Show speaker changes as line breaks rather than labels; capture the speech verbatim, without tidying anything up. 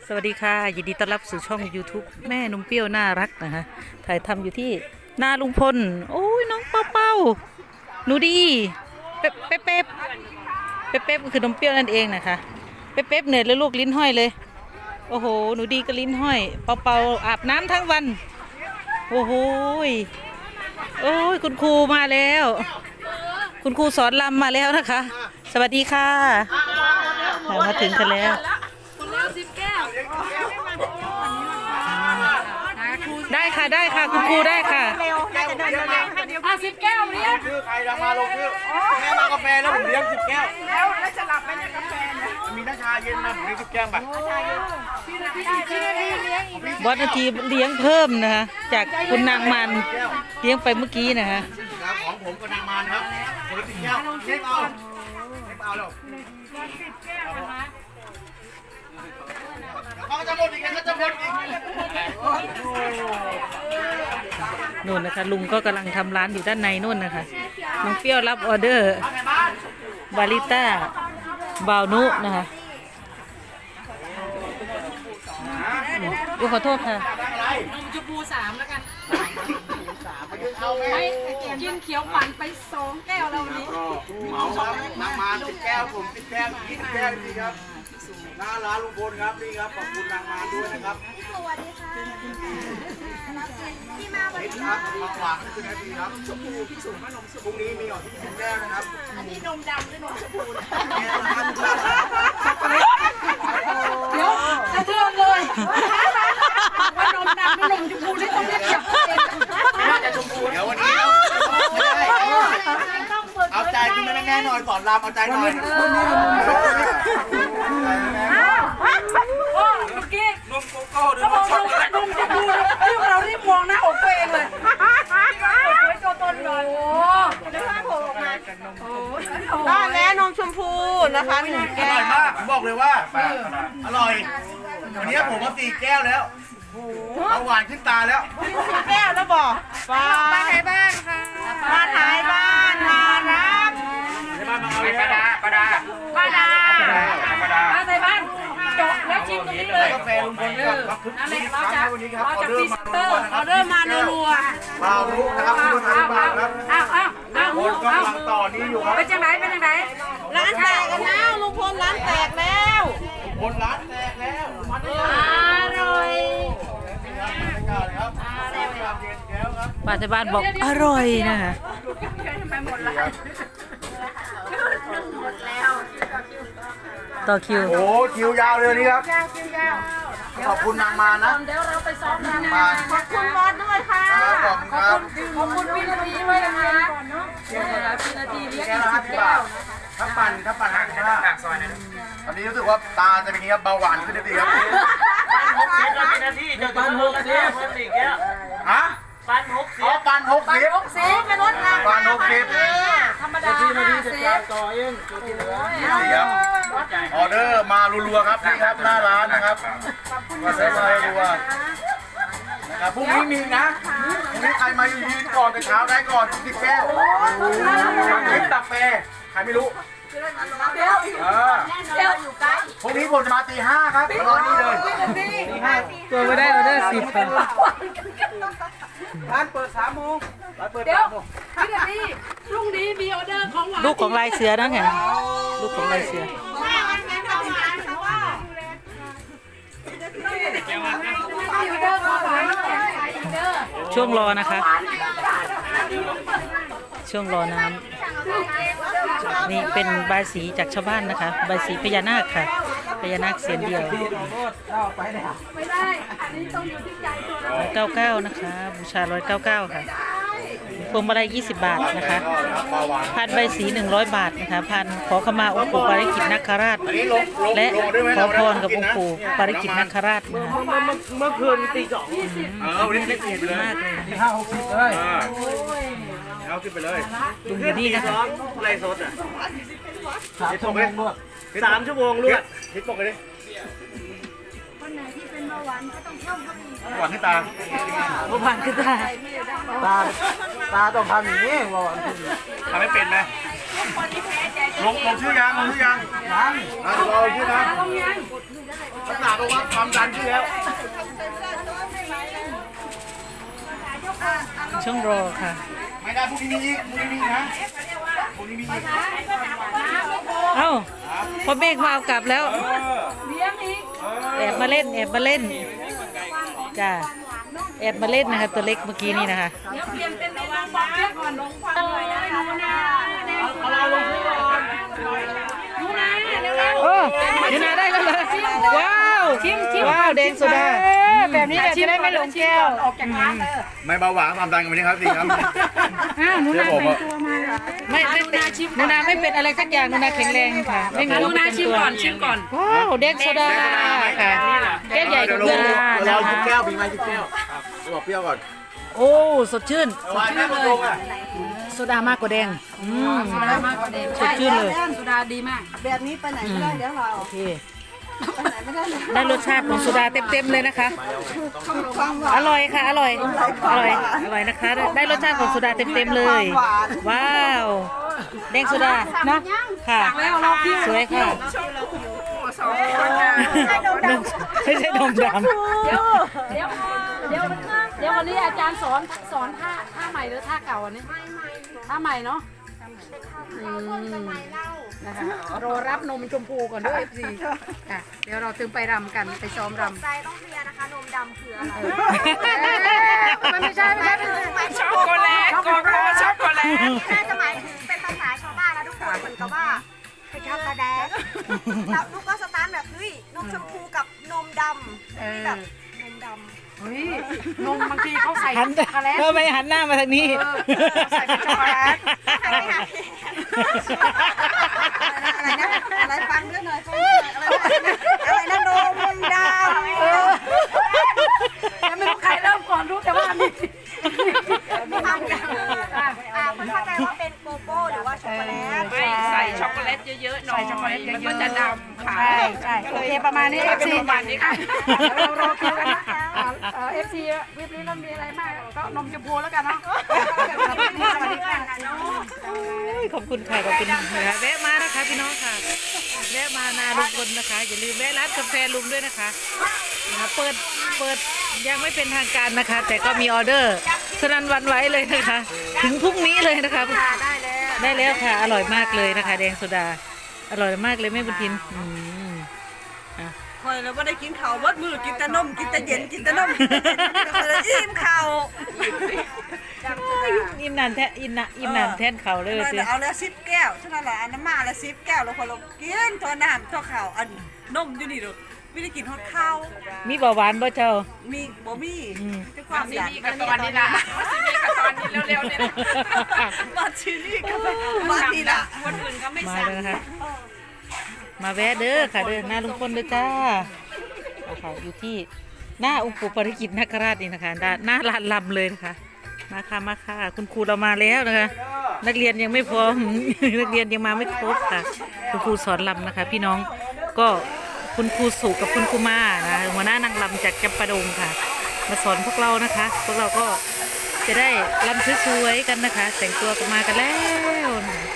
สวัสดีค่ะยินดีต้อนรับสู่ช่อง YouTube แม่นมเปรี้ยวน่ารักนะคะถ่ายทำอยู่ที่หน้าลุงพลโอ้ยน้องเป้าเป้าหนูดีเป๊ปเป๊ปเป๊ปเป๊ปเป๊ปก็คือนมเปรี้ยวนั่นเองนะคะเป๊ปเป๊ปเหนื่อยแล้วลูกลิ้นห้อยเลยโอ้โหหนูดีก็ลิ้นห้อยเป้าเป้าอาบน้ำทั้งวันโอ้โหโอ้ยคุณครูมาแล้วคุณครูสอนรำมาแล้วนะคะสวัสดีค่ะมาถึงกันแล้วได้ค่ะได้ค่ะคุณครูได้ค่ะ
ห้าสิบแก้วเนี่ย
ชื่อใครดังมาลงชื่อแม่มากาแฟแล้วผมเลี้ยงสิบแก้ว
แล้วแล้วจะหลับไหมเนี่ยกาแฟเนี่ย
มีน้ำชาเย็นมาผมเลี้ยงสิบแก้วไป
บอสนาทีเลี้ยงเพิ่มนะคะจากคุณนางมันเลี้ยงไปเมื่อกี้นะคะ
ของผมกับนางมานครับคนละสิบแก้วเล็กเอาเล็กเอาแล้วเขาจะหมดอีกเขาจะหมดอีก
นู่นนะคะลุงก็กำลังทำร้านอยู่ด้านในนู่นนะคะน้องเปรี้ยวรับออเดอร์บาริต้าบาวนุนะคะขอโทษค่ะ
นมชมพูสามแล้วกันไม่กินเขียวปั่นไปสองแก้วแล้ววันนี้
เหมาครับนางมานสิบแก้วผมสิบแก้วยี่สิบแก้วนี่ครับหน้าร้านลุงพลครับนี่ครับขอบคุณนางมานด้วยนะครับ
สวัสดีค่ะที่มาวัน
นี่
นี้
ครับมาหวานขึ้นนาทีครับชมพูพี่สูงนมพรุ่งนี้มีออกที่สิบแก้วนะครับ
อันนี้นมดำหรือนมชมพู
เดี๋ยวสะเทือนเลยว่านมดำหรือนมชมพูนี่ต้องเรียกเก็บเอง
น่าจะชมพูเดี๋ยววันนี้เราเอาใจคุณแม่แน่หน่อยสอนรามเอาใจหน่อย
โอ้เมื่อกี้นมโกโก้นมชมพูนมชมพูที่เรารีบมองหน้าอกตัวเองเลยไว้ตัวตนหน่อยโอ้ได้ภาพโผล่ออกมา
ได้แล้วนมชมพูนะคะหนึ่ง
อ
แก้
ร่อ
วย
มากผมบอกเลยว่าอร่อยวันนี้ผมมาสี่แก้วแล้วเอาหวานขึ้นตาแล้ว
สี่แก้วแล้วบอกมามาไทยบ้านค่ะมาไทยบ้านมารับ
ในบ้านมาเอาเลยปลาดาปลาดา
ป้าดา
ปลาดา
มาในบ้านเจาะแล้วชิมตรงนี้เลย
กาแฟลุงพลครับคึกคืนครั้งในวันนี้ครับออเดอร์มา
ออเดอร์มารัว
เปล่ารู้นะครับคุณทานบ้านครับ
อ้าวอ้าวอ้าว
คนกำลังต่อนี้อยู่ครับ
เป็นจังไหนเป็นจังไหน
ร้านแตกกันแล้วลุงพลร้านแตกแล้ว
คนร้านแตกแล้วมันได้
อร่อย
ครับ
ป้าที่บ้านบอกอร่อยนะคะต่อคิว
โอ้คิวยาวเลยนี่ครับขอบคุณนางมานะ
เดี๋ยวเราไปซ้อมกัน
มา
ขอบคุณบอสด้วยค่ะ
ขอบคุณครับ
ขอบคุณพี่นาทีด้วยนะคะพี่นาทีเลี้ยง
แก้
อี
ว
ก
ละ
สิ
ห้า
บ
สิบบา
แก้ว
ทถ้าปั่นถ้าปั่นหักห้าหักซอยนะตอนนี้รู้สึกว่าตาจะเป็นนี้ครับเบาหวานขึ้นดีครับ
นาทีจะปันหกสิบเพิ่มอีกแล้ว
ฮะ
ปันหกสิ
อ๋อบ ปั่นหกสิบ
หกสิบเป็นรถรา
ปั่นหกสิบ
ธรรมดา
ที่นา
ห้า
ทีจะ
สิ
จ่า
บ
ยต่อเองตัวที่เหลือ
นี่ครับออเดอร์มารัวๆครับนี่ครับหน้าร้านนะครับออเดอร์มารัวๆนะครับพรุ่งนี้มีนะพรุ่งนี้ใครมายืนก่อนแต่เช้าได้ก่อนสิบแก้วลิปกาแฟใครไม่รู้
เดี๋ยว
เออ
เดี๋ยวอยู่ใกล้
พรุ่งนี้ผมจะมาตีห้าครับรอนี่เลยตีห้า
ตัวไม่ได้ออเดอร์สิบค่ะ
ร้านเปิดสามโมงร้านเปิด
เดี๋ย
สาว มโมง
พี่นาทีพรุ่งนี้มีออเดอร์ของหวาน
ลูกของลายเสือนะค่ะลูกของลายเสือช่วงรอนะคะ ช่วงรอน้ำนี่เป็นใบายสีจากชาวบ้านนะคะใบายสีพญานาคค่ะพญานาคเสียนเดียว
ไม่ได้อันนี้ต้องอยู่ที่ใจตัวเรา
ร้อยเก้าเก้านะคะบูชาร้อยเก้าเก้าค่ะพวงมาลัยยี่สิบบาทนะคะพันใบสีหนึ่งร้อยบาทนะคะพันขอขมาองค์ปู่ปาริกิตนาคราช และขอพรกับองค์ปู่ปาริกิตนาคราชนะคะ
เมื่อคืนตีสอง
เออวันนี้เล็กไปเลย
มากเลย
ตีห้าหกสิบเลยเอาขึ้นไปเลย
ลุงอยู่นี่นะคะ
ไรสดอ่ะ
สามชั่วโมงด้วย
สามชั่วโมงลวด
ทิศปกเลยดิ
คนไหนที่เป็นเบาหวานก็ต้องเพิ่มเข้าไปอีก
หวานที่ตา
เมื่อวานคือได้
ตาตาต้องทำอย่างนี้ว่า
ทำไม่เป็นไหมลงลงชื่อยังลงชื่อยังยังรอลงชื่อนะขนาดบอกว่าความดันชื่อแล้ว
ช่วงรอค่ะ
ไม่ได้พรุ่งนี้มีอีกพรุ่งนี้มีนะพรุ่งนี้มีอีก
เอ้าพอเมฆมาเอากลับแล้ว แอบมาเล่น แอบมาเล่น จ้า แอบมาเล่นนะคะตัวเล็กเมื่อกี้นี่นะคะโอ้ยนาได้แล้วเหรอว้าวว้าวแดงโซดา
แบบนี้จะได้ไม่หลงแก้วออกจากร้านเลย
ไม่เบาหวานความดันกันวันนี้ครับสิครับ
อ้าวหนู
เดี๋ยว
นา
ผม
เป็น
อะ
ตัวมา
ไม่ไม่เป็นนูนาไม่เป็นอะไรสักอย่างนูนาแข็งแรงค่ะ ไม่มีโรคประจำตัวว้าวแดงโซดาค่ะแก้วใหญ่กว่าเพื่อนเลย
เราคิดแก้วมีไหมคิดแก้วจะบอกเปรี้ยวก่อน
โอ้สดชื่น
หวานแม่ประตูอ่ะ
โซดามากกว่าแดงอืม
มากกว่าเดิม
สดชื่นเลย
สุดาดีมาก
แบบนี้ไปไหนไม่ได้เดี๋ยวเรา
โอเคได้รสชาติของโซดาเต็มๆเลยนะคะ
ความหวาน
อร่อยค่ะ อร่อย อร่อย อร่อยนะคะ ได้ได้รสชาติของโซดาเต็มๆเลย ว้าว แดงโซดาเนาะค่ะ
แล้วเราพี่
สวยค่ะไม่ใช่นมดำ
เดี๋ยวเดี๋ยวเดี๋ยวเดี๋ยววันนี้อาจารย์สอนสอนท่าท่าใหม่หรือท่าเก่าอันนี้ท่าใหม่เนาะนะคะรอรับนมชมพูก่อนด้วยสิค่ะเดี๋ยวเราถึงไปรำกันไปซ้อมรำ
ใจต้องเคลียร์นะคะ นมดำคืออะไร
มันไม่ใช่ไม่ใช่ไม่ใช่
ช็อกโกแลตโกโก้ช็อกโกแลตน่าจะหมายถึงเป็นภาษาชาวบ้านนะทุกคนเหมือนกับว่าเป็นช็อกโกแลตแล้วลูกก็สตาร์ทแบบเฮ้ยนมชมพูกับนมดำที่แบบนมดำ
เฮ้ยนมบางทีเขาใส่
หัน
ช็อกโกแลต
เออไม่หันหน้ามาทางนี้
ใส่เป็นช็อกโกแลต
หันไปหา
อะไรนะอะไรฟังด้วยหน่อยฟังด้วยหน่อยอะไรนะนมดำ
ยังไม่รู้ใครเริ่มก่อนรู้แต่ว่ามี
ความดำอ่าไม่เข้าใจว่าเป็นโกโก้หรือว่าช็อกโกแลต
ไม่ใส่ช็อกโกแลตเยอะๆหน่อยใส่ช็อกโกแลตเยอะๆมันก็จะดำค่ะใช่ใช่โอเคประมาณนี้ เอฟ ซี ประมาณนี้ค่ะเรารอคิวกันนะเอฟซีวิปนี้เรามีอะไรมากก็นมชมพูแล้วกันเนาะสวัสดีค่ะ
ขอบคุณค่ะ ขอบคุณนะคะแวะมานะคะพี่น้องค่ะ แวะมานาลุงพลนะคะ อย่าลืมแวะร้านกาแฟลุงด้วยนะคะนะคะเปิด เปิดยังไม่เป็นทางการนะคะ แต่ก็มีออเดอร์สนั่นหวันไหวเลยนะคะ ถึงพรุ่งนี้เลยนะคะ ได้แล้วค่ะ อร่อยมากเลยนะคะ แดงโซดา อร่อยมากเลยแม่บุญทินอืมอ่ะ
คอยเราไม่ได้กินข้าววัดมือกินแต่นมกินแต่เย็นกินแต่นมเลยอิ่มข้าว
อิ่มนานแท้อิ่มนะอิ่มนานแทนเขาเลย
เรา
สิ
เอาแล้วสิบแก้วเท่านั้นแหละอันน้ำมาแล้วสิบแก้วแล้วพอเรากินตัวน้ำตัวข้าวอันนมอยู่นี่ดูไม่ได้กินทอดข้าว
มีเบาหวานบ่เจ้า
มีบ่มี
อืม
ด้วยความดัน
กับตอนนี้ละซีนี่กับตอนนี้เร็วๆเนี่ย
มาชินี่ก็มาทีละ
คนอื่นก็ไม่
มา
สั่ง
เลยนะคะ มาแวะเด้อค่ะเด้อหน้าลุงพลเด้อจ้าเอาค่ะอยู่ที่หน้าองค์ปู่ปริกิตนาคราชนี่นะคะด้านหน้าลานลำเลยนะคะมาค่ะมาค่ะคุณครูเรามาแล้วนะคะ นักเรียนยังไม่พร้อม นักเรียนยังมาไม่ครบค่ะ คุณครูสอนลำนะคะ พี่น้องก็คุณครูสุกับคุณครูมานะหัวหน้านางลำจากจำปาดงค่ะ มาสอนพวกเรานะคะ พวกเราก็จะได้ลำสวยๆกันนะคะ แต่งตัวกันมากันแล้วนะคะ